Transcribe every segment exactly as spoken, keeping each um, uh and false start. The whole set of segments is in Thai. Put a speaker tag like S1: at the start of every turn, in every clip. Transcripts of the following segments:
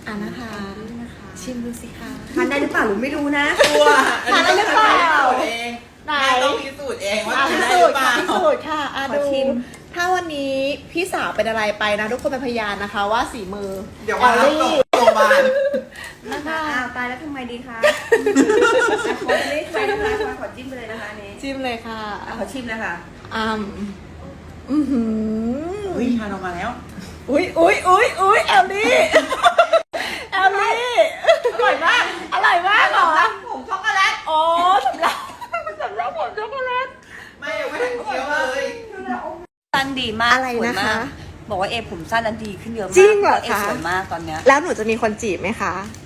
S1: อ่านะคะ ชิมดูสิคะ
S2: ทานได้หรือเปล่าหนูไม่รู้นะ
S3: ตัว
S1: ทานได้หรือเปล่า
S3: เอง
S1: ไหน
S3: แม่ต้องพิสูจน์เองว่า
S1: อ่ะ
S3: ทาน
S1: พิ
S3: ได้
S1: สู
S3: หรื
S1: จ
S3: อ
S1: น์
S3: เป
S1: ค่ะ
S3: ล่า
S1: พิสูจน์ค่ะอ่ะ
S2: ขอ
S1: ดู
S2: ชิม
S1: ถ้าวันนี้พี่สาวเป็นอะไรไปนะ ทุกคนเป็นพยานนะคะ ว่าสีมือ
S3: เดี๋ยวมารับ
S1: แอล
S3: ส่ง
S1: ลี่
S3: โรงพยาบาล
S1: นะคะ
S2: อ้าวตายแล้วทำไมดีคะขอไม่ใช่นะคะขอจิ้มไปเลยนะคะอันนี้
S1: จิ้มเลยค่ะ
S2: อ่ะขอชิมนะคะ
S1: อืมอือหือ
S3: เฮ้ยทานออกมาแล้ว
S1: อุ้ยอุ้ยอุ้ยอุ้ยแอลลี่แอลลี่อร่อยมากอร่อยมากเหรอ
S2: ผงช็อกโกแลต
S1: อ๋อสำหรับสำหรับผมช็อกโกแลต
S3: ไม่ยังไม่ทันเคี้ยวเลย
S2: สั้นดีมาก
S1: อะไรนะคะ
S2: สวยมากบอกว่าเอผมสั้นแล้วดีขึ้นเยอะมาก
S1: จริงเหรอคะ
S2: เอสวยมากตอนเนี้ย
S1: แล้วหนูจะมีคนจีบไหมคะ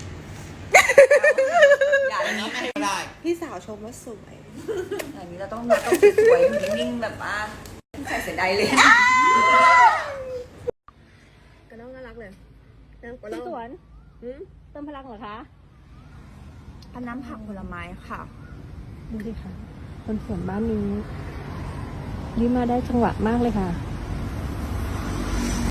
S2: อย่า
S3: อั
S2: อน ย่าง
S3: นี้
S2: นี้
S3: ไม่ให้ได้
S1: พี่สาวชมว่าสวย
S2: อย่างนี้เราต้องเราต้องสวยๆนิ่งๆแบบว่าใส่เสียดายเลย
S1: กระน้องน่ารักเลย
S4: พี่สวนเติมพลังเหรอคะ
S2: พันน้ำผักผลไม้ค่ะ
S4: ดูสิค่ะคนสวนบ้านนี้ยิ้มมาได้จังหวะมากเลยค่ะ